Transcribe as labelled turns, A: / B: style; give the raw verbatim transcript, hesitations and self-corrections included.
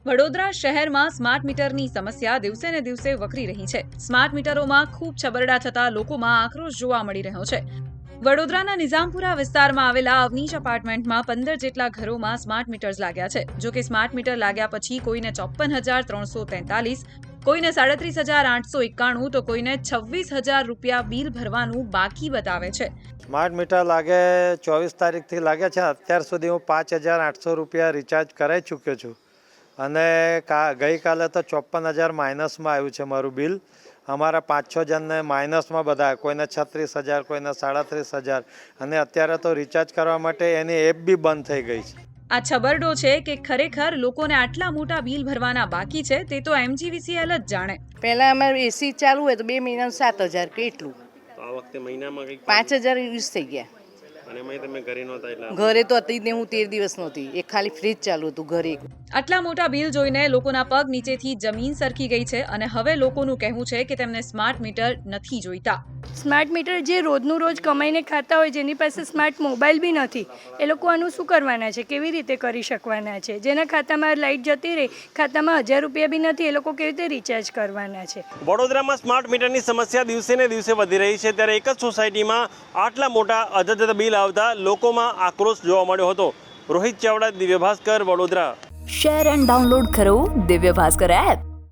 A: વડોદરા શહેરમાં સ્માર્ટ મીટરની સમસ્યા દિવસે ને દિવસે વકરી રહી છે। સ્માર્ટ મીટરોમાં ખૂબ છબરડા થતા લોકોમાં આક્રોશ જોવા મળી રહ્યો છે। વડોદરાના નિઝામપુરા વિસ્તારમાં આવેલા અવનીશ એપાર્ટમેન્ટમાં પંદર જેટલા ઘરોમાં સ્માર્ટ મીટર્સ લાગ્યા છે। જો કે સ્માર્ટ મીટર લાગ્યા પછી કોઈને ચોપ્પન હજાર ત્રણસો તેતાલીસ, કોઈને સાડત્રીસ હજાર આઠસો એકાણું તો કોઈને છવ્વીસ હજાર રૂપિયા બિલ ભરવાનું બાકી બતાવે છે।
B: સ્માર્ટ મીટર લાગે ચોવીસ તારીખથી લાગ્યા છે। અત્યાર સુધી હું પાંચ હજાર આઠસો રૂપિયા રિચાર્જ કરાવી ચૂક્યો છું અને કા ગઈકાલે તો ચોપ્પન હજાર માઇનસમાં આવ્યું છે મારું બિલ। અમારા પાંચ છ જણને માઇનસમાં બધા, કોઈને છત્રીસ હજાર, કોઈને સાડત્રીસ હજાર અને અત્યારે તો રિચાર્જ કરવા માટે એની એપ બી બંધ થઈ ગઈ છે।
A: આ છબરડો છે કે ખરેખર લોકોને આટલા મોટા બિલ ભરવાના બાકી છે તે તો એમજીવીસીએલ જ જાણે।
C: પહેલા અમારે એસી ચાલુ હોય તો બે મહિનાનું સાત હજાર કે એટલું,
D: તો આ વખતે મહિનામાં કંઈક
C: પાંચ હજાર યુઝ થઈ ગયા।
D: અને એમાં તમે ઘરે નહોતા એટલે
C: ઘરે તો હતી જ ને, હું તેર દિવસ નહોતી, એક ખાલી ફ્રીજ ચાલુ હતું ઘરે।
A: આટલા મોટા બિલ જોઈને લોકોના પગ નીચેથી જમીન સરકી ગઈ છે અને હવે લોકોનું કહેવું છે કે તેમને સ્માર્ટ મીટર નથી જોઈતા।
E: સ્માર્ટ મીટર જે રોજનું રોજ કમાઈને ખાતા હોય, જેની પાસે સ્માર્ટ મોબાઈલ બી નથી, એ લોકો આનું શું કરવાના છે, કેવી રીતે કરી શકવાના છે? જેના ખાતામાં લાઇટ જતી રહી, ખાતામાં હજાર રૂપિયા બી નથી, એ લોકો કેવી રીતે રિચાર્જ કરવાના છે?
D: વડોદરામાં સ્માર્ટ મીટરની સમસ્યા દિવસે ને દિવસે વધી રહી છે, ત્યારે એક જ સોસાયટીમાં આટલા મોટા અજંતા બિલ આવતા લોકોમાં આક્રોશ જોવા મળ્યો હતો। Rohit Chavda, Divya Bhaskar, Vadodara.
F: Share and download કરો દિવ્ય ભાસ્કર એપ।